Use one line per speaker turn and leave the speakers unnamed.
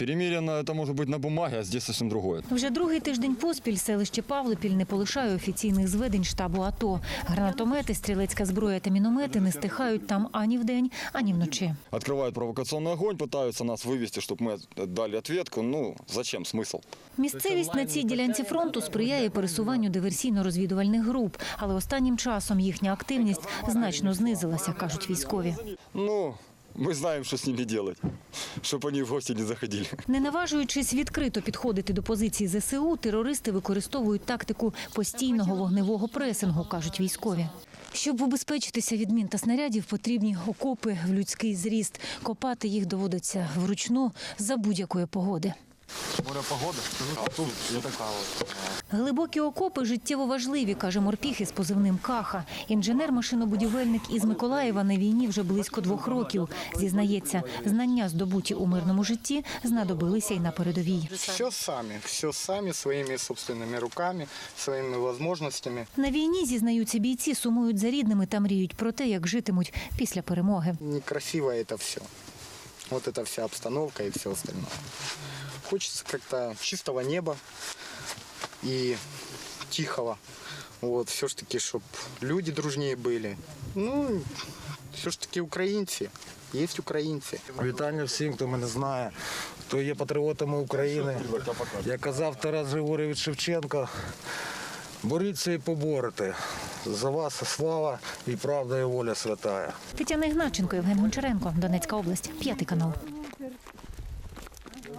Перемирие это может быть на бумаге, а здесь совсем другое.
Вже другий тиждень поспіль селище Павлопіль не полишає офіційних зведень штабу АТО. Гранатомети, стрілецька зброя та міномети не стихають там ані вдень, ані вночі.
Открывают провокационный огонь, пытаются нас вывести, чтобы мы дали ответку. Ну, зачем, смысл?
Місцевість на цій ділянці фронту сприяє пересуванню диверсійно-розвідувальних груп, але останнім часом їхня активність значно знизилася, кажуть військові.
Ну, мы знаем, что с ними делать, чтобы они в гости не заходили.
Не наважуючись відкрито підходити до позицій ЗСУ, терористи використовують тактику постійного вогневого пресингу, кажуть військові. Щоб убезпечитися від мін та снарядів, потрібні окопи в людський зріст. Копати їх доводиться вручну за будь-якої погоди.
Погода, а тут я така от.
Глибокі окопи життєво важливі, каже морпіх із позивним «Каха». Інженер-машинобудівельник із Миколаєва на війні вже близько 2 років. Зізнається, знання, здобуті у мирному житті, знадобилися й на передовій.
Все самі, своїми собственними руками, своїми можливостями.
На війні, зізнаються бійці, сумують за рідними та мріють про те, як житимуть після перемоги.
Некрасиво це все. Вот эта вся обстановка и все остальное. Хочется как-то чистого неба и тихого. Вот, все ж таки, чтобы люди дружнее были. Ну, все ж таки українці. Є українці.
Вітання всім, хто мене знає, хто є патріотами України. Як казав Тарас Григорович Шевченко, боріться і поборете. За вас слава і правда і воля святая.
Тетяна Ігначенко, Євген Гончаренко, Донецька область, 5 канал.